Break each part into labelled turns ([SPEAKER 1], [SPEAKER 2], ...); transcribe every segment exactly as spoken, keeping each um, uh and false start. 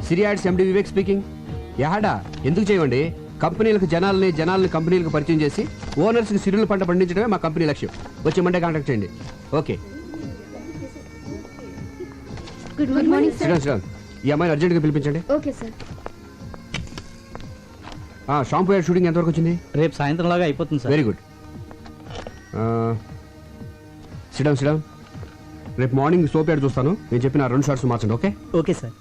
[SPEAKER 1] సిరి ads MD Vivek speaking. యాడా ఎందుకు చేయండి? కంపెనీలకు జనాల్ని జనాల్ని కంపెనీలకు పరిచయం చేసి ఓనర్స్కి సిరుల పంట పండించడమే మా కంపెనీ లక్ష్యం. వచ్చి మండే కాంటాక్ట్ చేయండి. Okay.
[SPEAKER 2] Good morning sir.
[SPEAKER 1] Sriram Sriram ఈ అమ్మాయిని అర్జెంట్గా పిలిపించండి.
[SPEAKER 2] Okay sir.
[SPEAKER 1] Shampoo ad shooting ఎంతవరకు వచ్చింది?
[SPEAKER 3] రేపు సాయంత్రం లాగా అయిపోతుంది sir.
[SPEAKER 1] Very good. Sriram Sriram రేపు మార్నింగ్ సోప్ యాడ్ చూస్తాను. నేను చెప్పిన రెండు షార్ట్స్ మార్చండి. Okay
[SPEAKER 3] okay sir.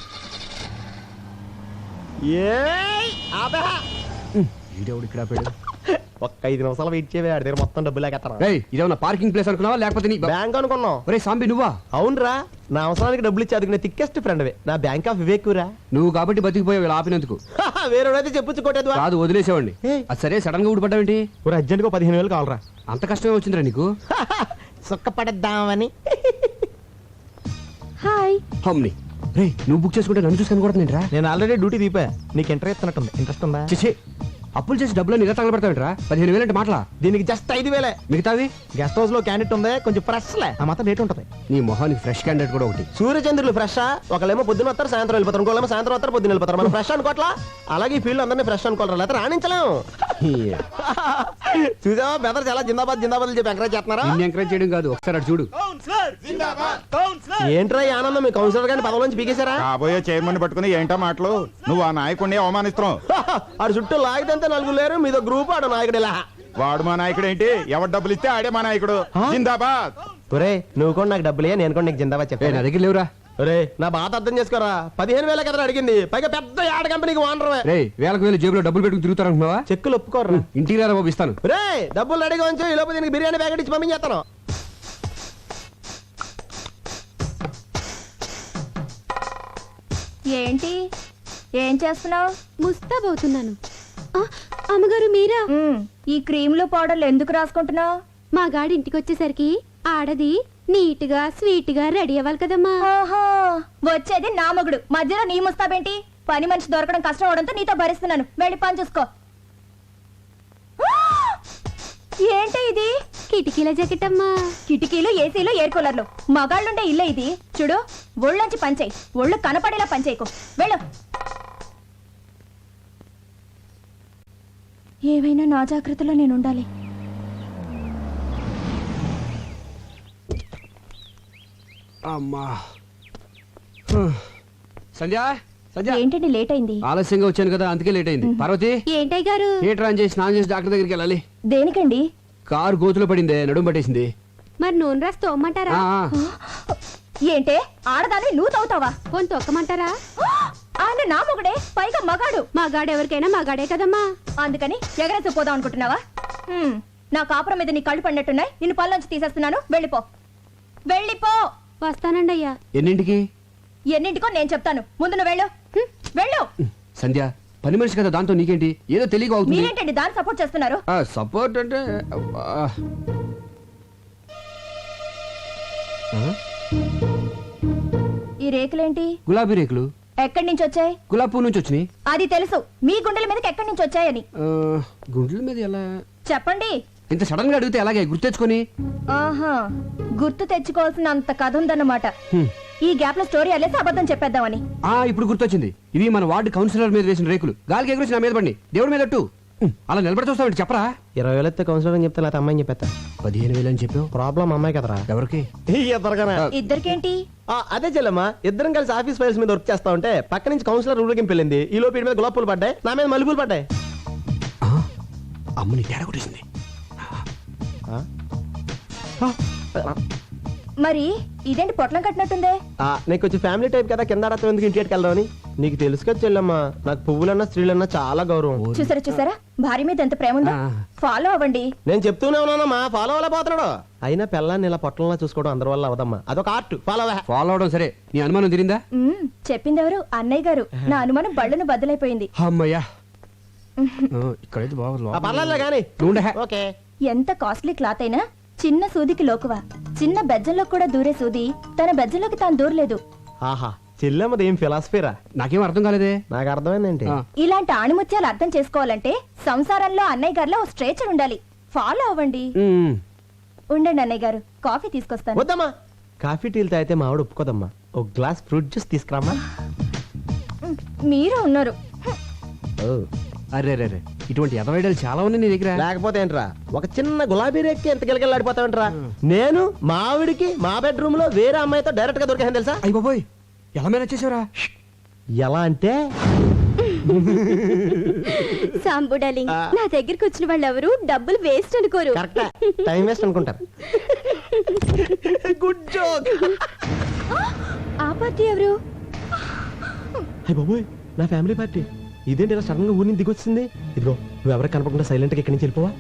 [SPEAKER 1] ఈడెవడు ఇక్కడ ఆపాడు?
[SPEAKER 4] ఒక్క ఐదు నిమిషాలు వెయిట్ చేయవే, ఆడి దగ్గర మొత్తం డబ్బులు లేకెత్తాను.
[SPEAKER 1] ఏయ్ ఇదేమన్నా పార్కింగ్ ప్లేస్ అనుకున్నావా లేకపోతే నీ
[SPEAKER 4] బ్యాంక్ అనుకున్నావు?
[SPEAKER 1] ఒరే సాంబి నువ్వా?
[SPEAKER 4] అవునరా, నా అవసరానికి డబ్బులు ఇచ్చి అదుకునే థిక్కెస్ట్ ఫ్రెండ్ వే నా బ్యాంక్ ఆఫ్ వివేక్ రా.
[SPEAKER 1] నువ్వు కాబట్టి బతికిపోయావు ఇలా ఆపినందుకు.
[SPEAKER 4] వేరేడైతే చెప్పొచ్చు కొట్టేది
[SPEAKER 1] కాదు వదిలేసేవాడిని. అది సరే సడన్ గా ఊడిపడ్డావేంటి?
[SPEAKER 4] ఒక అర్జెంట్ గా పదిహేను వేలు కావాలరా.
[SPEAKER 1] అంత కష్టమే వచ్చిందిరా నీకు?
[SPEAKER 4] సుఖపడద్దామని.
[SPEAKER 2] హాయ్.
[SPEAKER 1] హమ్ని రే నువ్వు బుక్ చేసుకుంటే నన్ను చూసుకొని కూడా నేను రా.
[SPEAKER 4] నేను ఆల్రెడీ డ్యూటీ దీపా. నీకు ఇంట్రెస్ట్ ఇస్తున్నట్టుంది. ఇంట్రెస్ట్ ఉందా?
[SPEAKER 1] చేసే అప్పులు చేసి డబ్బులు ఇలా తగలబెడతావేంట్రా? పదిహేను వేలు అంటే మాటలా?
[SPEAKER 4] దీనికి జస్ట్ ఐదు వేలే.
[SPEAKER 1] మిగతావి
[SPEAKER 4] గెస్ట్ హౌస్ లో క్యాండిడేట్ ఉంది, కొంచెం ఫ్రెష్ లే, ఆ మాత్రం రేట్ ఉంటుంది.
[SPEAKER 1] నీ మొహానికి ఫ్రెష్ క్యాండిడేట్ కూడా ఒకటి.
[SPEAKER 4] సూర్యచంద్రులు ఫ్రెష్. ఒకళ్ళేమో పొద్దున వస్తారు, సాయంత్రం వెళ్ళిపోతారు. ఇంకోళ్ళేమో సాయంత్రం వస్తారు, పొద్దున వెళ్ళిపోతారు. మనం ఫ్రెష్ అనుకోవట్లా? అలాగే ఈ ఫీల్డ్ అందరినీ ఫ్రెష్ అనుకోవాలి, లేకపోతే రాణించలేము. చూసావా బెదర్ చాలా జిందాబాద్ జిందాబాద్ చెప్పి ఎంకరేజ్ చేస్తున్నారా?
[SPEAKER 1] నిన్ను ఎంకరేజ్ చేయడం కాదు, ఒకసారి అటు చూడు.
[SPEAKER 4] ఏంట్రా ఈ ఆనందం? మీ కౌన్సిలర్ గారిని పదవి నుంచి పీకేశారా?
[SPEAKER 5] కాబోయే చైర్మన్ పట్టుకుని ఏంటో మాటలు? నువ్వు ఆ నాయకుడిని అవమానిస్తున్నావు.
[SPEAKER 4] ఆడు చుట్టూ లాగితే నలుగురు లేరు, మీదో గ్రూప్ ఆడు నాయకుడు ఇలా.
[SPEAKER 5] వాడు మా నాయకుడు ఏంటి? ఎవరు డబ్బులు ఇస్తే ఆడే మా నాయకుడు. జిందాబాద్.
[SPEAKER 4] ఒరే నువ్వు కూడా నాకు డబ్బులే, నేను కూడా నీకు జిందాబాద్
[SPEAKER 1] ఏ
[SPEAKER 4] చెప్పాను.
[SPEAKER 1] నా దగ్గర లేవురా.
[SPEAKER 4] ఒరే నా బాధ అర్థం చేసుకోరా. పదిహేను వేల కదా అడిగింది, పైగా పెద్ద యాడ్ కంపెనీకి ఓనర్.
[SPEAKER 1] రే వేలకు వేలు జేబులో డబ్బులు పెట్టుకుని తిరుగుతారనుకున్నావా?
[SPEAKER 4] చెక్కులు ఒప్పుకోర్రా.
[SPEAKER 1] ఇంటికి రారా బాబు ఇస్తాను.
[SPEAKER 4] రే డబ్బులు రెడీగా ఉంచు, ఈ లోపు దీనికి బిర్యానీ ప్యాకెట్ ఇచ్చి పంపించేస్తాను.
[SPEAKER 2] ఏంటి ఏం చేస్తున్నావు?
[SPEAKER 6] ముస్తాబవుతున్నాను. అమ్మగారు మీరా?
[SPEAKER 2] ఈ క్రీములు పౌడర్లు ఎందుకు రాసుకుంటున్నావు?
[SPEAKER 6] మా గాడి ఇంటికి వచ్చేసరికి ఆడది నీట్ గా స్వీట్ గా రెడీ అవ్వాలి కదమ్మా.
[SPEAKER 2] ఓహో వచ్చేది నా మొగుడు, మధ్యలో నీ ముస్తాబేంటి? పని మనిషి దొరకడం కష్టం అవడంతో నీతో భరిస్తున్నాను. వెళ్ళి పని చూసుకో. ఏంటి ఇది?
[SPEAKER 6] కిటికీల జాకెట్ అమ్మా.
[SPEAKER 2] కిటికీలు, ఏసీలు, ఎయిర్ కూలర్లు, మగాళ్ళుండే ఇల్లే ఇది. చూడు ఒళ్ళొంచి పనిచేయి, ఒళ్ళు కనపడేలా పనిచేయకు. వెళ్ళు. ఏవైనా నా జాగ్రత్తలో నేను ఉండాలి.
[SPEAKER 1] అమ్మా సంధ్య సంధ్య
[SPEAKER 2] ఏంటండి లేట్ అయింది?
[SPEAKER 1] ఆలస్యంగా వచ్చాను కదా అందుకే లేట్ అయింది. పార్వతి
[SPEAKER 6] ఏంటయ్య గారు?
[SPEAKER 1] హీటర్ ఆన్ చేసి స్నానం చేసి డాక్టర్ దగ్గరికి వెళ్ళాలి.
[SPEAKER 2] దేనికండి?
[SPEAKER 1] కారు గోతులో పడిందే, నడుము పట్టేసింది.
[SPEAKER 6] మరి నూనె రాసి తోమ్మంటారా?
[SPEAKER 1] ఆ, ఆ.
[SPEAKER 2] ఏంటే ఆడదాన్ని నువ్వు తవ్వుతావా?
[SPEAKER 6] పోని తొక్కమంటారా?
[SPEAKER 2] ఆయన నా మొగుడే, పైగా మగాడు.
[SPEAKER 6] మా గాడు ఎవరికైనా మా గాడే కదమ్మా.
[SPEAKER 2] అందుకని ఎగరేసి పోదాం అనుకుంటున్నావా? హ్మ్, నా కాపురం మీద నీ కళ్ళు పడినట్టున్నాయి. నిన్ను పళ్ళొంచి తీసేస్తున్నాను. వెళ్ళిపో వెళ్ళిపో.
[SPEAKER 6] వస్తానండి అయ్యా.
[SPEAKER 1] ఎన్నింటికి?
[SPEAKER 2] ఎన్నింటికో నేను చెప్తాను. ముందు నువ్వు వెళ్ళు. హ్మ్, వెళ్ళు.
[SPEAKER 1] సంధ్య పని మనిషి కదా, దాంతో నీకేంటి? ఏదో తెలియక అవుతుంది.
[SPEAKER 2] మీరేంటండి దాన్ని సపోర్ట్ చేస్తున్నారు?
[SPEAKER 1] సపోర్ట్ అంటే ఆ. ఆ?
[SPEAKER 2] ఈ రేకులేంటి?
[SPEAKER 1] గులాబీ రేకులు.
[SPEAKER 2] ఎక్కడి నుంచి వచ్చాయి?
[SPEAKER 1] గులాబీ పువ్వు నుంచి వచ్చినాయి.
[SPEAKER 2] అది తెలుసు, మీ గుండెల మీదకి ఎక్కడి నుంచి వచ్చాయని
[SPEAKER 1] ఆ, గుండెల మీద ఎలా?
[SPEAKER 2] చెప్పండి.
[SPEAKER 1] ఇంత సడన్ గా అడిగితే ఎలాగే గుర్తెచ్చుకొని?
[SPEAKER 2] ఆహా, గుర్తు తెచ్చుకోవాల్సిన అంత కథ ఉందన్నమాట.
[SPEAKER 1] హ్మ్.
[SPEAKER 2] ఈ గ్యాప్ లో స్టోరీ అల్లేసి అబద్ధం చెప్పేద్దామని.
[SPEAKER 1] ఆ ఇప్పుడు గుర్తొచ్చింది. ఇవి మన వార్డు కౌన్సిలర్ మీద వేసిన రేకులు. గాలికి ఎగురేసి నా మీద పడి దేవుడి మీద అట్టు. హ్మ్. అలా నిలబడి చూస్తామంటే చెప్పరా?
[SPEAKER 4] ఇరవై వేలు ఎత్తే కౌన్సిలర్ అని చెప్తే లేకపోతే అమ్మాయిని చెప్పేస్తా.
[SPEAKER 1] పదిహేను వేలు అని చెప్పావు.
[SPEAKER 4] ప్రాబ్లం అమ్మాయి కదరా.
[SPEAKER 1] ఎవరికి?
[SPEAKER 4] ఇద్దరుగానే.
[SPEAKER 2] ఇద్దరికేంటి?
[SPEAKER 4] ఆ, అదే చెల్లమ్మా, ఇద్దరం కలిసి ఆఫీస్ ఫైల్స్ మీద వర్క్ చేస్తా ఉంటే పక్క నుంచి కౌన్సిలర్ ఊరికి వెళ్ళింది. ఈ లోపు మీద గులాబ్ పూలు పడ్డాయి, నా మీద మల్లెపూలు పడ్డాయి.
[SPEAKER 1] ఆ, అమ్మని తేడా కొట్టేసింది.
[SPEAKER 2] మరి ఇదేంటి పొట్లం కట్టినట్టుందే?
[SPEAKER 4] ఆ, నీకు వచ్చి ఫ్యామిలీ టైప్ కదా, కింద ఆడతా ఎందుకు ఇంటికి వెళ్దామని. నీకు తెలుసు కదా చెల్లమ్మా, నాకు పువ్వులన్నా స్త్రీలన్నా చాలా గౌరవం.
[SPEAKER 2] చూసారా చూసారా భార్య మీద ఎంత ప్రేమ ఉందో.
[SPEAKER 1] ఆ.
[SPEAKER 2] ఫాలో అవ్వండి.
[SPEAKER 4] నేను చెప్తూనే ఉన్నానమ్మా, ఫాలో అవ్వలే పోతున్నాడు. అయినా పిల్లాన్ని ఇలా పొట్టంలా చూసుకోవడం అందరి వల్ల అవదమ్మా, అదొక ఆర్ట్. ఫాలో అవ్వ.
[SPEAKER 1] ఫాలో అవడం సరే, నీ అనుమానం తిరిందా?
[SPEAKER 2] మ్మ్, చెప్పిందెవరు? అన్నయ్య గారు. నా అనుమానం బళ్ళను బద్దలైపోయింది.
[SPEAKER 1] అమ్మయ్యా, ఇక్కడైతే బాగా
[SPEAKER 4] పర్లేదు కానీ. ఓకే.
[SPEAKER 2] ఎంత కాస్ట్లీ క్లాత్ అయినా చిన్న సూదికి లోకువా. చిన్న బెజ్జంలో కూడా దూరే సూది తన బెజ్జంలోకి తాను దూరలేదు.
[SPEAKER 4] ఆహా, చెల్లెమ్మది ఏం ఫిలాసఫీరా?
[SPEAKER 1] నాకేం అర్థం కాలేదే.
[SPEAKER 4] నాకు అర్థమైందేంటి?
[SPEAKER 1] ఆ.
[SPEAKER 2] ఇలాంటి ఆణిముత్యాలు అర్థం చేసుకోవాలంటే సంసారంలో అన్నయ్య గారిలో ఓ స్ట్రేచర్ ఉండాలి. ఫాలో అవ్వండి.
[SPEAKER 1] ఉమ్.
[SPEAKER 2] ఉండండి అన్నయ్య గారు, కాఫీ తీసుకొస్తాను.
[SPEAKER 4] వద్దమ్మా, కాఫీ టీలు తాగితే మా ఆవిడ ఒప్పుకోదమ్మా. ఒక గ్లాస్ ఫ్రూట్ జ్యూస్ తీసుకురామ్మా.
[SPEAKER 2] మీరే ఉన్నారు
[SPEAKER 1] ఓ, అరే రే రే ఇటువంటి ఎదవైడలు చాలా ఉన్నాయి నీ దగ్గర.
[SPEAKER 4] లేకపోతే ఏంట్రా ఒక చిన్న గులాబీ రేక్కి ఎంత గిలగిలాడిపోతావేంట్రా నేను మా ఆవిడికి మా బెడ్రూమ్ లో వేరే అమ్మాయితో డైరెక్ట్ గా దొరికాను తెలుసా?
[SPEAKER 1] అయ్య బాబోయ్ ఎలా మేనేజ్ చేసావురా?
[SPEAKER 4] ఎలా అంటే
[SPEAKER 6] సాంబు డార్లింగ్, నా దగ్గరికి వచ్చిన వాళ్ళు ఎవరు డబ్బులు వేస్ట్ అనుకోరు.
[SPEAKER 4] కరెక్ట్ టైం వేస్ట్ అనుకుంటారు. Good joke.
[SPEAKER 6] ఆ పార్టీ ఎవరు?
[SPEAKER 4] అయ్య బాబోయ్ నా ఫ్యామిలీ పార్టీ. ఇదేంటి ఇలా సడన్ గా ఊరి నుంచి దిగొచ్చింది? ఇదిగో నువ్వు ఎవరికి కనపడకుండా సైలెంట్ గా ఇక్కడి నుంచి వెళ్ళిపోవా?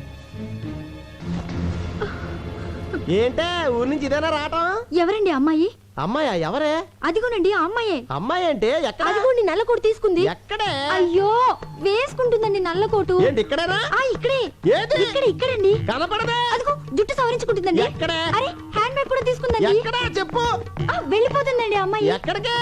[SPEAKER 4] ఏంటే ఊరి నుంచి ఇదేనా రావటం?
[SPEAKER 6] ఎవరండి అమ్మాయి?
[SPEAKER 4] అమ్మాయా? ఎవరే?
[SPEAKER 6] అదిగోనండి ఆ అమ్మాయే.
[SPEAKER 4] అమ్మాయి అంటే ఎక్కడ?
[SPEAKER 6] అదిగోండి నల్ల కోటు తీసుకుంది.
[SPEAKER 4] ఎక్కడే?
[SPEAKER 6] అయ్యో వేసుకుంటుందండి నల్ల కోటు.
[SPEAKER 4] ఏంటి ఇక్కడేనా?
[SPEAKER 6] ఆ ఇక్కడే.
[SPEAKER 4] ఏది?
[SPEAKER 6] ఇక్కడ ఇక్కడండి.
[SPEAKER 4] కనపడదే.
[SPEAKER 6] అదిగో జుట్టు సవరించుకుంటుందండి.
[SPEAKER 4] ఎక్కడ?
[SPEAKER 6] అరే హ్యాండ్ బ్యాగ్ కూడా తీసుకుందండి.
[SPEAKER 4] ఎక్కడ చెప్పు?
[SPEAKER 6] ఆ, వెళ్ళిపోతుందండి ఆ అమ్మాయి.
[SPEAKER 4] ఎక్కడికి?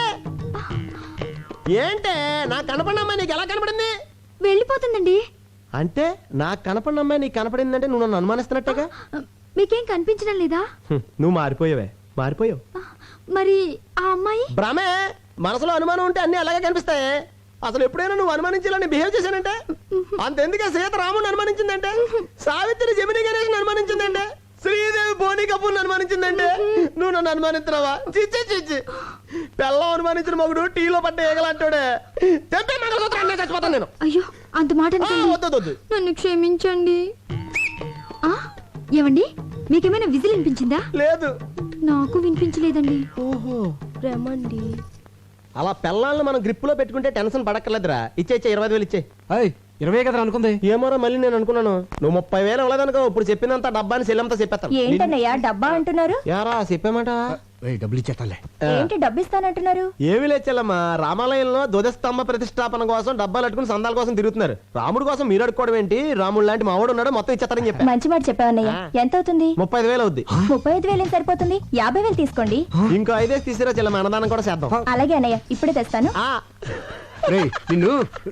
[SPEAKER 4] ఏంటే నాకు కనపడిన అమ్మాయి నీకు ఎలా కనపడింది?
[SPEAKER 6] వెళ్ళిపోతుందండి.
[SPEAKER 4] అంటే నాకు కనపడిన అమ్మాయి నీకు కనపడిందంటే నువ్వు నన్ను అనుమానిస్తున్నట్టేగా?
[SPEAKER 6] మీకేం కనిపించడం లేదా?
[SPEAKER 4] హ్మ్, నువ్వు మారిపోయావే మారిపోయావు.
[SPEAKER 6] మరి ఆ అమ్మాయి?
[SPEAKER 4] భ్రమే. మనసులో అనుమానం ఉంటే అన్ని అలాగే కనిపిస్తాయి. అసలు ఎప్పుడైనా నువ్వు అనుమానించాలని బిహేవ్ చేశానంటే అంతెందుకే సీత రాముని అనుమానించిందంటే, సావిత్రి జమిని గణేష్ అనుమానించిందంటే, శ్రీదేవి బోని కపూర్ అనుమానించిందంటే నువ్వు నన్ను అనుమానిస్తున్నావా? చిచ్చి చిచ్చి పెళ్ళం అనుమానించిన మగుడు టీలో పడ్డ ఏగలంటాడే. తెంపే మంగళసూత్రం చచ్చిపోతాను నేను.
[SPEAKER 6] అయ్యో అంత మాట
[SPEAKER 4] ఆ,
[SPEAKER 6] అనకండి.
[SPEAKER 4] వద్దు వద్దు.
[SPEAKER 6] నన్ను క్షమించండి. ఆ ఏమండి మీకేమైనా విజిల్ వినిపించిందా?
[SPEAKER 4] లేదు.
[SPEAKER 6] నాకు వినిపించలేదండి.
[SPEAKER 4] ఓహో
[SPEAKER 6] రమండి.
[SPEAKER 4] అలా పెళ్ళాలను మనం గ్రిప్ లో పెట్టుకుంటే టెన్షన్ పడక్కర్లేదురా. ఇచ్చే ఇచ్చే ఇరవై ఐదు వేలు ఇచ్చే.
[SPEAKER 1] అయ్ ఇరవై కదా అనుకుంది.
[SPEAKER 4] ఏమోరా మళ్ళీ నేను అనుకున్నాను నువ్వు ముప్పై వేలు ఇవ్వలేదనుకో ఇప్పుడు చెప్పినంత డబ్బాని సెల్లంతా చెప్పేస్తాను.
[SPEAKER 2] ఏంటన్నయ్యా డబ్బా అంటున్నారు?
[SPEAKER 4] యారా చెప్పామాట?
[SPEAKER 1] ఏయ్, డబ్బులు ఇచ్చేస్తాలే.
[SPEAKER 2] ఏంటి డబ్బు ఇస్తానంటున్నారు?
[SPEAKER 4] ఏమి లేచెల్లమ్మా, రామాలయంలో ధ్వజస్తంభ ప్రతిష్టాపన కోసం డబ్బాలు అట్టుకుని సందాల కోసం తిరుగుతున్నారు. రాముడు కోసం మీరు అడుకోవడం ఏంటి? రాముడు లాంటి మావాడు ఉన్నాడు, మొత్తం ఇచ్చేస్తారని చెప్పా.
[SPEAKER 2] మంచి మాట చెప్పావన్నయ్య. ఎంత అవుతుంది?
[SPEAKER 4] ముప్పై ఐదు వేలు అవుద్ది.
[SPEAKER 2] ముప్పై ఐదు వేలు ఏం సరిపోతుంది? యాభై వేలు తీసుకోండి.
[SPEAKER 4] ఇంకో ఐదేసి తీసిరా చెల్లమ్మ, అన్నదానం కూడా చేద్దాం.
[SPEAKER 2] అలాగే అన్నయ్య ఇప్పుడే తెస్తాను.
[SPEAKER 4] ఆ.
[SPEAKER 1] రేయ్ నిన్ను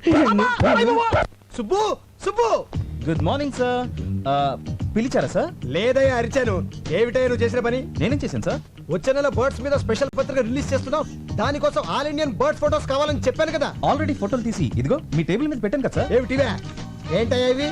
[SPEAKER 3] Subbu Subbu
[SPEAKER 5] good morning sir. పిలిచారా సార్?
[SPEAKER 3] లేదయ్యా అరిచాను. ఏమిటయ్యా నువ్వు చేసిన పని?
[SPEAKER 5] నేనేం చేశాను సార్?
[SPEAKER 3] వచ్చే నెల బర్డ్స్ మీద స్పెషల్ పత్రిక రిలీజ్ చేస్తున్నావు. దానికోసం ఆల్ ఇండియన్ బర్డ్ ఫోటోస్ కావాలని చెప్పాను కదా.
[SPEAKER 5] ఆల్రెడీ ఫోటోలు తీసి ఇదిగో మీ టేబుల్ మీద పెట్టాను కదా సార్.
[SPEAKER 3] ఏమిటివే? ఏంటయ్యా ఇవి?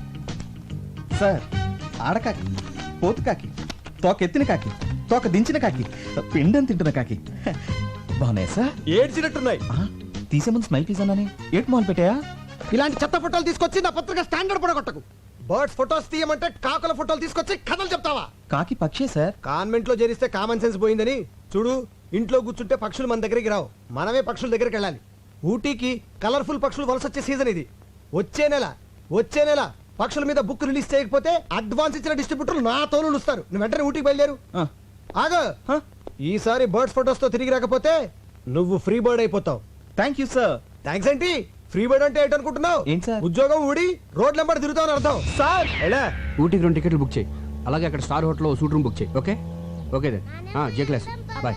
[SPEAKER 5] సార్ ఆడకాకి, పోతు కాకి, తోక ఎత్తిన కాకి, తోక దించిన కాకి, పిండం తింటున్న కాకి బాగున్నాయి సార్.
[SPEAKER 3] ఏడ్చినట్టున్నాయి.
[SPEAKER 5] ఆ, తీసే ముందు స్మైల్ ప్లీజ్ అన్నానే. ఏట్ మాల్ పెట్టాయా?
[SPEAKER 3] ఇలాంటి చెత్త ఫోటోలు తీసుకొచ్చి నా పత్రిక స్టాండర్డ్ పడగొట్టకు. బర్డ్స్ ఫోటోస్ తీయమంటే కాకుల ఫోటోలు తీసుకొచ్చి కథలు చెప్తావా?
[SPEAKER 5] కాకి పక్షే సార్.
[SPEAKER 3] కాన్వెంట్ లో చేరిస్తే కామన్ సెన్స్ పోయిందని చూడు. ఇంట్లో కూర్చుంటే పక్షులు మన దగ్గరికి రావు, మనమే పక్షుల దగ్గరికి వెళ్ళాలి. ఊటీకి కలర్ఫుల్ పక్షులు వలస వచ్చే సీజన్ ఇది. వచ్చే నెల వచ్చే నెల పక్షుల మీద బుక్ రిలీజ్ చేయకపోతే అడ్వాన్స్ ఇచ్చిన డిస్ట్రిబ్యూటర్లు నా తోలు ఇస్తారు. నువ్వు వెంటనే ఊటీకి బయలుదేరు.
[SPEAKER 5] ఆ,
[SPEAKER 3] ఆగ ఈసారి బర్డ్స్ ఫోటోస్ తో తిరిగి రాకపోతే నువ్వు ఫ్రీ బర్డ్ అయిపోతావు.
[SPEAKER 5] Thank you sir.
[SPEAKER 3] థ్యాంక్స్ ఏంటి? ఫ్రీ బర్డ్ అంటే ఏంటనుకుంటున్నావు?
[SPEAKER 5] ఏంటి సార్?
[SPEAKER 3] ఉద్యోగం ఊడి రోడ్ నెంబర్ తిరుగుతావు అని అర్థం.
[SPEAKER 5] సార్
[SPEAKER 3] ఎలా?
[SPEAKER 1] ఊటీకి రెండు టికెట్లు బుక్ చేయి. అలాగే అక్కడ స్టార్ హోటల్లో సూట్ రూమ్ బుక్ చేయి. Okay okay then J class bye.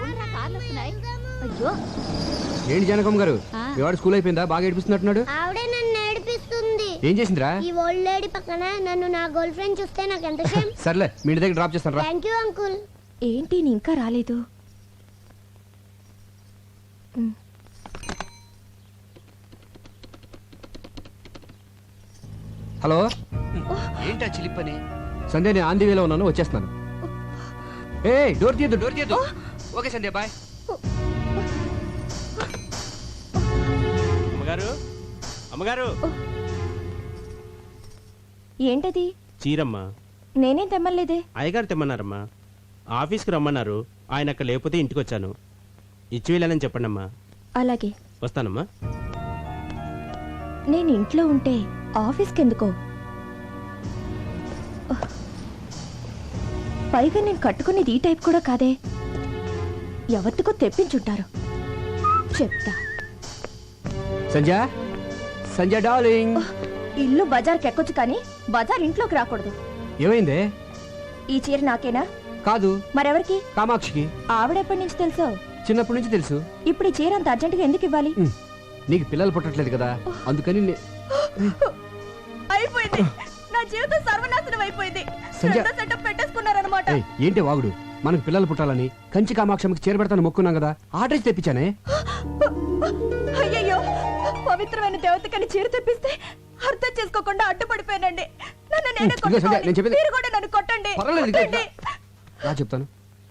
[SPEAKER 2] అయ్యో
[SPEAKER 1] ఏంటి జానకమ్మ గారు, మీ వాడు స్కూల్ అయిపోయిందా? బాగా ఏడిపిస్తున్నట్టున్నాడు.
[SPEAKER 7] ఆవిడే నన్ను ఏడిపిస్తుంది.
[SPEAKER 1] ఏం చేసిందిరా?
[SPEAKER 7] ఈ ఓల్డ్ లేడీ పక్కన నన్ను నా గర్ల్ ఫ్రెండ్ చూస్తే నాకు ఎంత షేమ్.
[SPEAKER 1] సర్లే మీ ఇంటి దగ్గర డ్రాప్ చేస్తాను రా.
[SPEAKER 7] Thank you uncle.
[SPEAKER 2] ఏంటి నీ ఇంకా రాలేదు?
[SPEAKER 1] హలో ఏంటా చిలిపని? సంధ్య నేను ఆంధీ వేలో ఉన్నాను, వచ్చేస్తున్నాను. ఏ డోర్ తీయద్దు డోర్ తీయద్దు. Okay Sandhya bye.
[SPEAKER 8] అమ్మగారు అమ్మగారు
[SPEAKER 2] ఏంటది?
[SPEAKER 8] చీరమ్మ.
[SPEAKER 2] నేనేం తెమ్మలేదే.
[SPEAKER 8] అయ్యగారు తెమ్మన్నారమ్మా. ఆఫీస్కి రమ్మన్నారు, ఆయన అక్కడ లేకపోతే ఇంటికి వచ్చాను. ఇచ్చి వెళ్ళానని చెప్పండి అమ్మా.
[SPEAKER 2] అలాగే
[SPEAKER 8] వస్తానమ్మా.
[SPEAKER 2] నేను ఇంట్లో ఉంటే ఆఫీస్కి ఎందుకో? పైగా నేను కట్టుకునేది ఈ టైప్ కూడా కాదే. ఎవరికో తెప్పించుంటారు. చెప్తా.
[SPEAKER 1] సంధ్య సంధ్య డార్లింగ్.
[SPEAKER 2] ఇల్లు బజార్కి ఎక్కొచ్చు కానీ బజార్ ఇంట్లోకి రాకూడదు.
[SPEAKER 1] ఏమైందే?
[SPEAKER 2] ఈ చీర నాకేనా?
[SPEAKER 1] కాదు
[SPEAKER 2] మరెవరికి?
[SPEAKER 1] కామాక్షికి.
[SPEAKER 2] ఆవిడెప్పటి నుంచి తెలుసో?
[SPEAKER 1] చిన్నప్పటి నుంచి తెలుసు.
[SPEAKER 2] ఇప్పుడు ఈ చీర అంత అర్జెంటుగా ఎందుకు ఇవ్వాలి?
[SPEAKER 1] ఉమ్, నీకు పిల్లలు పుట్టట్లేదు కదా అందుకని నే-
[SPEAKER 2] అయిపోయింది. నా జీవితం సర్వనాశనం అయిపోయింది.
[SPEAKER 1] సంధ్య.
[SPEAKER 2] రెండో సెటప్ పెట్టేసుకున్నారన్నమాట.
[SPEAKER 1] ఏయ్, ఏంటి వాగుడు? మనకు పిల్లలు పుట్టాలని కంచి కామాక్షమికి చేరబెడతాను మొక్కున్నాం కదా, ఆర్డర్ తెప్పించానే.
[SPEAKER 2] అయ్యో పవిత్రమైన దేవతకని చీర తెప్పిస్తే అర్థం చేసుకోకుండా అడ్డుపడిపోయానండి. నన్ను నేనే
[SPEAKER 1] ఇదిగో సంధ్య,
[SPEAKER 2] కొట్టుకోవాలి.
[SPEAKER 1] నేను చెప్పేది-
[SPEAKER 2] మీరు కూడా నన్ను కొట్టండి.
[SPEAKER 1] పర్వాలేదు, ఇదిగో
[SPEAKER 2] కొట్టండి.
[SPEAKER 1] రా చెప్తాను.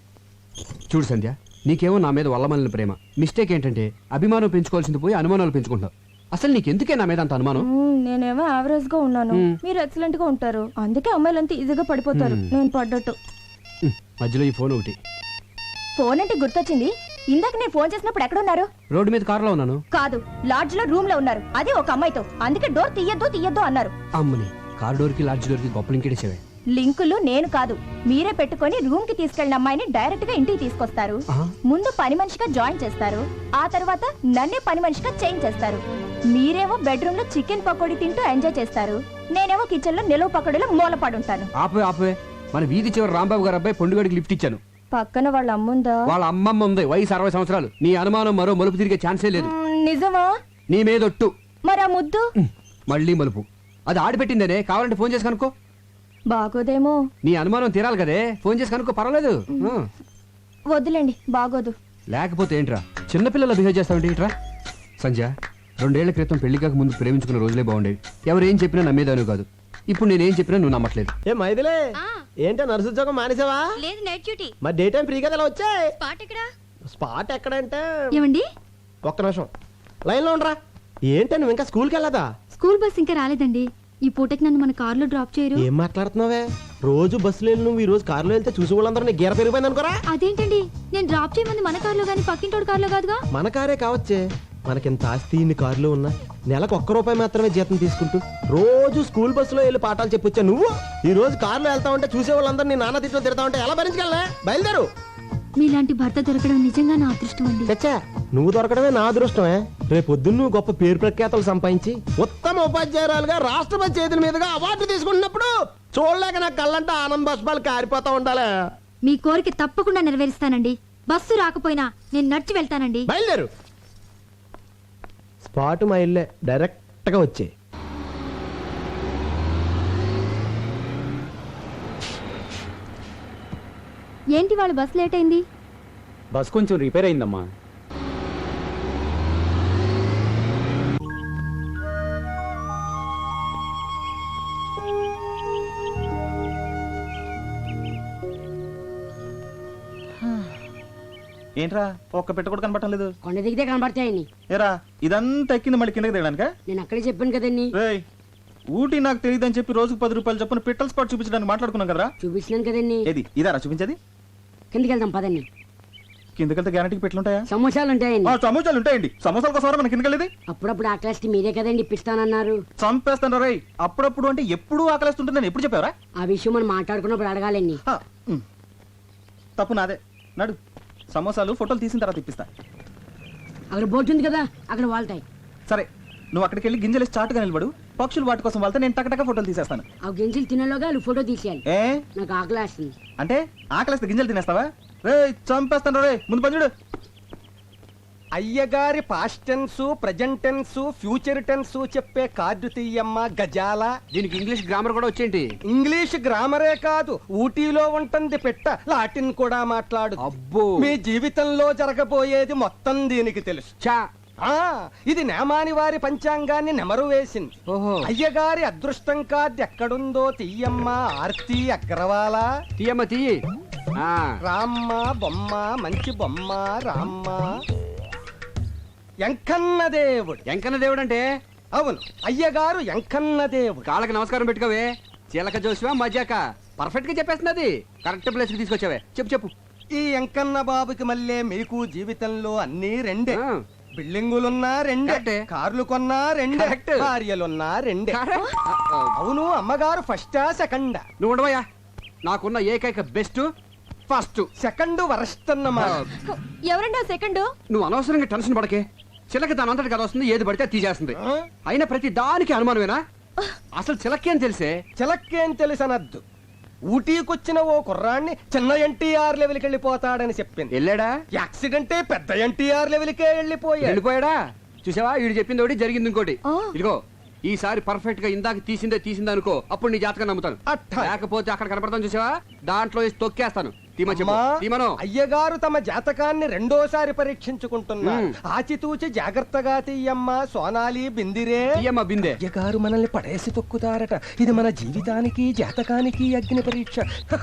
[SPEAKER 1] చూడు సంధ్య, నీకేమో నా మీద వల్లమల్లిన ప్రేమ. మిస్టేక్ ఏంటంటే అభిమానం పెంచుకోవాల్సింది పోయి అనుమానాలు పెంచుకుంటావు. అసలు నీకెందుకే నా మీద అంత అనుమానం?
[SPEAKER 2] మ్మ్, నేనేమో యావరేజ్ గా ఉన్నాను, మీరు ఎక్సలెంట్ గా ఉంటారు. అందుకే అమ్మాయిలంతా ఈజీగా పడిపోతారు. నేను పడ్డట్టు.
[SPEAKER 1] ఉమ్, మధ్యలో ఈ ఫోన్ ఒకటి.
[SPEAKER 2] ఫోన్ అంటే గుర్తొచ్చింది. ఇందాక నేను ఫోన్ చేసినప్పుడు ఎక్కడ ఉన్నారు?
[SPEAKER 1] రోడ్డు మీద కారులో ఉన్నాను.
[SPEAKER 2] కాదు, లాడ్జ్ లో రూమ్ లో ఉన్నారు. అదే ఒక అమ్మాయితో. అందుకే డోర్ తీయద్దు తీయద్దు అన్నారు.
[SPEAKER 1] అమ్మని కార్ డోర్కి లాడ్జ్ డోర్కి గొప్ప లింకేసేవే.
[SPEAKER 2] లింకులు నేను కాదు, మీరే పెట్టుకొని రూమ్ కి తీసుకెళ్లిన అమ్మాయిని డైరెక్ట్ గా ఇంటికి తీసుకొస్తారు.
[SPEAKER 1] ఆహా.
[SPEAKER 2] ముందు పని మనిషిగా జాయిన్ చేస్తారు. ఆ తర్వాత నన్నే పని మనిషిగా చేంజ్ చేస్తారు. మీరేమో బెడ్రూమ్ లో చికెన్ పకోడీ తింటూ ఎంజాయ్ చేస్తారు. నేనేమో కిచెన్ లో నిలువ పకోడీలో మూలపడుంటాను.
[SPEAKER 1] ఆపే ఆపే మన వీధి చివరి రాంబాబు గారు అబ్బాయి పొండుగడికి లిఫ్ట్ ఇచ్చాను.
[SPEAKER 2] పక్కన వాళ్ళ అమ్ముందా?
[SPEAKER 1] వాళ్ళ అమ్మమ్మ ఉంది, వయసు అరవై సంవత్సరాలు. నీ అనుమానం మరో మలుపు తిరిగే ఛాన్సే లేదు.
[SPEAKER 2] మ్మ్, నిజమా?
[SPEAKER 1] నీ మీదొట్టు.
[SPEAKER 2] మరి ఆ ముద్దు
[SPEAKER 1] ఉమ్, మళ్ళీ మలుపు. అది ఆడిపెట్టిందేనే, కావాలంటే ఫోన్ చేసి కనుక్కో.
[SPEAKER 2] బాగోదేమో.
[SPEAKER 1] నీ అనుమానం తీరాలి కదే, ఫోన్ చేసి కనుక్కో, పర్వాలేదు. ఆ.
[SPEAKER 2] వద్దులేండి, బాగోదు.
[SPEAKER 1] లేకపోతే ఏంట్రా చిన్నపిల్లలు బిహేవ్ చేస్తావంటే ఏంట్రా? సంజయ్, రెండేళ్ల క్రితం పెళ్లి కాక ముందు ప్రేమించుకున్న రోజులే బాగుండేవి. ఎవరు ఏం చెప్పినా నమ్మేదాను కాదు. ఇప్పుడు నేనేం చెప్పినా నువ్వు నమ్మట్లేదు.
[SPEAKER 4] ఏ మైదిలే, ఏంటో నర్సు ఉద్యోగం మానేసావా?
[SPEAKER 6] లేదు నైట్ డ్యూటీ.
[SPEAKER 4] మరి డే టైం ఫ్రీ కదా ఇలా వచ్చాయి.
[SPEAKER 6] స్పాట్ ఎక్కడా?
[SPEAKER 4] స్పాట్ ఎక్కడంటే
[SPEAKER 6] ఏమండి,
[SPEAKER 4] ఒక్క నిమిషం లైన్ లో ఉండరా. ఏంటి నువ్వు ఇంకా స్కూల్కి వెళ్ళదా?
[SPEAKER 6] స్కూల్ బస్ ఇంకా రాలేదండి. ఈ పూటకి నన్ను మన కారులో డ్రాప్ చేయరు?
[SPEAKER 4] ఏం మాట్లాడుతున్నావే? రోజు బస్సులో వెళ్ళి నువ్వు ఈ రోజు కారులో వెళ్తే చూసి వాళ్ళందరూ నీ గీర పెరిగిపోయింది అనుకోరా.
[SPEAKER 6] అదేంటండి, నేను డ్రాప్ చేయమంది మన కారులో గానీ పక్కింటోడు కారులో కాదుగా.
[SPEAKER 4] మన కారే కావచ్చే, మనకింత ఆస్తి ఇన్ని కారులో ఉన్నా నెలకు ఒక్క రూపాయి మాత్రమే జీతం తీసుకుంటూ రోజు స్కూల్ బస్సులో వెళ్ళి పాఠాలు చెప్పొచ్చా నువ్వు? ఈ రోజు కారులో వెళ్తా ఉంటే చూసే వాళ్ళందరూ నీ నాన్న తిట్లో తిడతా ఉంటే ఎలా భరించగలనే? బయలుదేరు.
[SPEAKER 6] మీలాంటి భర్త దొరకడం నిజంగా నా అదృష్టం అండి.
[SPEAKER 4] చచ్చా, నువ్వు దొరకడమే నా అదృష్టమే. రేపు పొద్దున్న నువ్వు గొప్ప పేరు ప్రఖ్యాతలు సంపాదించి ఉత్తమ ఉపాధ్యాయురాలుగా రాష్ట్రపతి చేతుల మీదుగా అవార్డు తీసుకుంటున్నప్పుడు చూడలేక నా కళ్ళంటే ఆనంద బాష్పాలు కారిపోతా ఉండాలి.
[SPEAKER 6] మీ కోరిక తప్పకుండా నెరవేరుస్తానండి. బస్సు రాకపోయినా నేను నడిచి వెళ్తానండి.
[SPEAKER 4] బయలుదేరు. స్పాట్ మా ఇల్లే, డైరెక్ట్ గా వచ్చే.
[SPEAKER 6] ఏంటి వాళ్ళ బస్ లేట్ అయింది?
[SPEAKER 9] బస్ కొంచెం రిపేర్ అయిందమ్మా.
[SPEAKER 5] ఏంట్రా ఒక్క పెట్ట కూడా కనబడటం లేదు?
[SPEAKER 10] కొండ దిగితే కనబడతాయని.
[SPEAKER 5] ఏరా ఇదంతా ఎక్కింది మళ్ళీ కిందకి దిగడానికా?
[SPEAKER 10] నేను అక్కడే చెప్పాను కదండి.
[SPEAKER 5] రేయ్, ఊటీ నాకు తెలియదని చెప్పి రోజుకు పది రూపాయలు చొప్పున పిట్టల స్పాట్ చూపించడానికి మాట్లాడుకున్నాం కదరా?
[SPEAKER 10] చూపించినాను కదండి.
[SPEAKER 5] ఏది ఇదారా చూపించేది?
[SPEAKER 10] కిందకి వెళ్దాం పదండి.
[SPEAKER 5] కిందకెళ్తే గ్యారంటీకి పెట్లుంటాయా?
[SPEAKER 10] సమోసాలు ఉంటాయండి.
[SPEAKER 5] ఆ, సమోసాలు ఉంటాయండి. సమోసాల కోసం మన కిందకెళ్ళేది?
[SPEAKER 10] అప్పుడప్పుడు ఆ క్లాస్ మీరే కదండి ఇప్పిస్తానన్నారు.
[SPEAKER 5] చంపేస్తాను రేయ్. అప్పుడప్పుడు అంటే ఎప్పుడు ఆకలిస్తుంటుంది నేను ఎప్పుడు చెప్పావరా?
[SPEAKER 10] ఆ విషయం మనం మాట్లాడుకున్నప్పుడు అడగాలండి.
[SPEAKER 5] హ, ఉమ్. తప్పు నాదే. నడు, సమోసాలు ఫోటోలు తీసిన తర్వాత ఇప్పిస్తా.
[SPEAKER 10] అక్కడ బోట్ ఉంది కదా, అక్కడ వాళ్తాయి.
[SPEAKER 5] సరే, నువ్వు అక్కడికి వెళ్ళి గింజలు చాటుగా నిలబడు. పక్షులు వాటి కోసం వెళ్తే నేను టకటక ఫోటోలు తీసేస్తాను.
[SPEAKER 10] ఆ గింజలు తినేలోగా వాళ్ళు ఫోటో తీసేయాలి.
[SPEAKER 5] ఏ
[SPEAKER 10] నాకు ఆకలి వేస్తుంది.
[SPEAKER 5] అంటే ఆకలిస్తే గింజలు తినేస్తావా? రే చంపేస్తాను రే. ముందు పని చూడు.
[SPEAKER 3] అయ్యగారి past tense, present tense, future tense చెప్పే కార్డు తీయమ్మ గజాల.
[SPEAKER 1] దీనికి ఇంగ్లీష్ గ్రామర్ కూడా వచ్చేంటి?
[SPEAKER 3] ఇంగ్లీష్ గ్రామరే కాదు, ఊటీలో ఉంటుంది పెట్ట, లాటిన్ కూడా మాట్లాడు.
[SPEAKER 1] అబ్బో,
[SPEAKER 3] మీ జీవితంలో జరగబోయేది మొత్తం దీనికి తెలుసు.
[SPEAKER 1] చా.
[SPEAKER 3] ఆ ఇది నేమాని వారి పంచాంగాన్ని నెమరు వేసింది.
[SPEAKER 1] ఓహో.
[SPEAKER 3] అయ్యగారి అదృష్టం కార్డు ఎక్కడుందో తీయమ్మ ఆర్తి అగ్రవాల.
[SPEAKER 1] తీయమ్మ తీయి. ఆ,
[SPEAKER 3] రామ్మ బొమ్మ, మంచి బొమ్మ రామ్మ. ఎంకన్న దేవుడు.
[SPEAKER 1] ఎంకన్న దేవుడు అంటే?
[SPEAKER 3] అవును, అయ్యగారు ఎంకన్న దేవుడు.
[SPEAKER 1] కాళ్ళకి నమస్కారం పెట్టుకోవే. చీలక జోసివా మజాక పర్ఫెక్ట్ గా చెప్పేస్తున్నది. కరెక్ట్ ప్లేస్ కి తీసుకొచ్చావే. చెప్పు చెప్పు.
[SPEAKER 3] ఈ ఎంకన్న బాబుకి మళ్ళీ మీకు జీవితంలో అన్ని రెండే.
[SPEAKER 1] ఆ.
[SPEAKER 3] బిల్డింగులున్నా రెండే,
[SPEAKER 1] కరెక్టే.
[SPEAKER 3] కార్లు కొన్నా రెండే,
[SPEAKER 1] కరెక్ట్.
[SPEAKER 3] భార్యలున్నా రెండే.
[SPEAKER 1] Correct.
[SPEAKER 3] అవును, అమ్మగారు ఫస్టా సెకండా?
[SPEAKER 1] నువ్వు ఉండవయ్యా. నాకున్న ఏకైక బెస్ట్ ఫస్ట్.
[SPEAKER 3] సెకండ్ వరస్ట్ అన్నమాట.
[SPEAKER 2] ఎవరండి ఆ సెకండ్?
[SPEAKER 1] నువ్వు అనవసరంగా టెన్షన్ పడకే. చిలక దాని అంతటి కదా వస్తుంది, ఏది పడితే అది తీసేస్తుంది.
[SPEAKER 3] ఆ?
[SPEAKER 1] అయినా ప్రతి దానికి అనుమానమేనా? అసలు చిలక్కి అని తెలిసే.
[SPEAKER 3] చిలక్కేం తెలుసనద్దు. ఊటీకొచ్చిన ఓ కుర్రాన్ని చిన్న ఎన్టీఆర్ లెవెల్కి వెళ్ళిపోతాడని చెప్పింది.
[SPEAKER 1] వెళ్ళాడా?
[SPEAKER 3] యాక్సిడెంటే పెద్ద ఎన్టీఆర్ లెవెల్కే వెళ్ళిపోయాడు.
[SPEAKER 1] వెళ్ళిపోయాడా? చూసావా, వీడు చెప్పింది ఒకటి జరిగింది ఇంకోటి.
[SPEAKER 2] ఆ.
[SPEAKER 1] ఇదిగో ఈసారి పర్ఫెక్ట్ గా ఇందాక తీసిందే తీసిందే అనుకో, అప్పుడు నీ జాతకం నమ్ముతాను.
[SPEAKER 3] అట్టా.
[SPEAKER 1] లేకపోతే అక్కడ కనపడతాను చూసావా, దాంట్లో వేసి తొక్కేస్తాను. తీమా చెప్పు
[SPEAKER 4] అమ్మా,
[SPEAKER 1] తీమను
[SPEAKER 4] అయ్యగారు తమ జాతకాన్ని రెండోసారి పరీక్షించుకుంటున్నారు
[SPEAKER 1] మ్మ్.
[SPEAKER 4] ఆచితూచి జాగ్రత్తగా తీయమ్మా సోనాలి బిందిరే
[SPEAKER 1] తీయమ్మా బిందె
[SPEAKER 4] అయ్యగారు మనల్ని పడేసి తొక్కుతారట ఇది మన జీవితానికి జాతకానికి అగ్ని పరీక్ష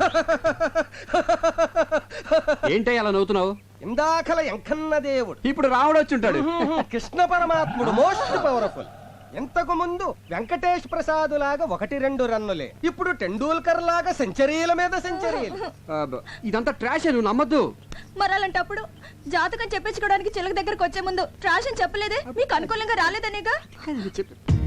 [SPEAKER 1] ఏంటో అలా నవ్వుతున్నావు
[SPEAKER 4] ఇందాకల ఎంకన్న దేవుడు
[SPEAKER 1] ఇప్పుడు రాముడు వచ్చి ఉంటాడు
[SPEAKER 4] కృష్ణ పరమాత్ముడు మోస్ట్ పవర్ఫుల్ ఇంతకు ముందు వెంకటేష్ ప్రసాద్ లాగా ఒకటి రెండు రన్నులే ఇప్పుడు టెండూల్కర్ లాగా సెంచరీల మీద సెంచరీలు
[SPEAKER 1] అబ్బ, ఇదంతా ట్రాష్ నువ్వు నమ్మద్దు
[SPEAKER 2] మరి అలాంటప్పుడు జాతకం చెప్పించుకోవడానికి చిలక దగ్గరకు వచ్చే ముందు ట్రాష్ అని చెప్పలేదే మీకు అనుకూలంగా రాలేదనేగా
[SPEAKER 1] చెప్పు